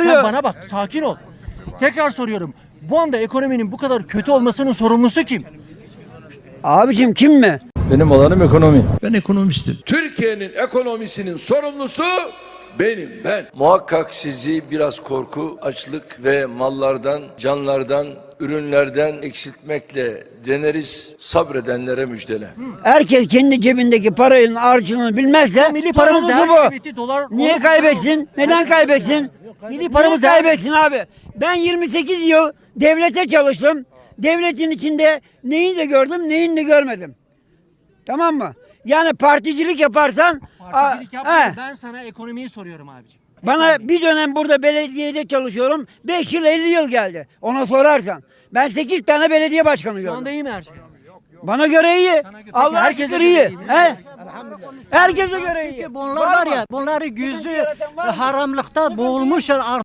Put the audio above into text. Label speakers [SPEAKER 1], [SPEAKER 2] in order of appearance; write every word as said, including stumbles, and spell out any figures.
[SPEAKER 1] oluyor?
[SPEAKER 2] Sen bana bak, sakin ol. Tekrar soruyorum. Bu anda ekonominin bu kadar kötü olmasının sorumlusu kim?
[SPEAKER 1] Abicim kim mi?
[SPEAKER 3] Benim alanım ekonomi.
[SPEAKER 4] Ben ekonomistim.
[SPEAKER 5] Türkiye'nin ekonomisinin sorumlusu benim, ben.
[SPEAKER 6] Muhakkak sizi biraz korku, açlık ve mallardan, canlardan, ürünlerden eksiltmekle deneriz, sabredenlere müjdele.
[SPEAKER 1] Herkes kendi cebindeki paranın harcını bilmezse
[SPEAKER 2] Milli paramız
[SPEAKER 1] sorumlusu
[SPEAKER 2] değer
[SPEAKER 1] bu.
[SPEAKER 2] kıymetli, dolar.
[SPEAKER 1] Niye
[SPEAKER 2] Onu-
[SPEAKER 1] kaybetsin? Neden kaybetsin?
[SPEAKER 2] Milli paramız
[SPEAKER 1] Niye
[SPEAKER 2] değer-
[SPEAKER 1] kaybetsin abi? Ben yirmi sekiz yıl devlete çalıştım. Devletin içinde neyini de gördüm, neyini de görmedim. Tamam mı? Yani particilik yaparsan
[SPEAKER 2] Particilik
[SPEAKER 1] a-
[SPEAKER 2] yapmıyorum.
[SPEAKER 1] he,
[SPEAKER 2] Ben sana ekonomiyi soruyorum abiciğim.
[SPEAKER 1] bana bir dönem burada belediyede çalışıyorum. beş yıl elli yıl geldi. Ona sorarsan. Ben sekiz tane belediye başkanı
[SPEAKER 2] Şu anda
[SPEAKER 1] gördüm.
[SPEAKER 2] iyi mi her şey?
[SPEAKER 1] Bana göre iyi.
[SPEAKER 2] Sana göre-
[SPEAKER 1] Allah
[SPEAKER 2] Peki herkese
[SPEAKER 1] herkese
[SPEAKER 2] göre
[SPEAKER 1] iyi.
[SPEAKER 2] iyi mi?
[SPEAKER 1] He? Herkese göre iyi.
[SPEAKER 7] Bunlar var
[SPEAKER 1] mı?
[SPEAKER 7] ya, bunları
[SPEAKER 1] Sıkıntı
[SPEAKER 7] yüzü
[SPEAKER 1] yaratan var mı?
[SPEAKER 7] haramlıkta boğulmuşlar.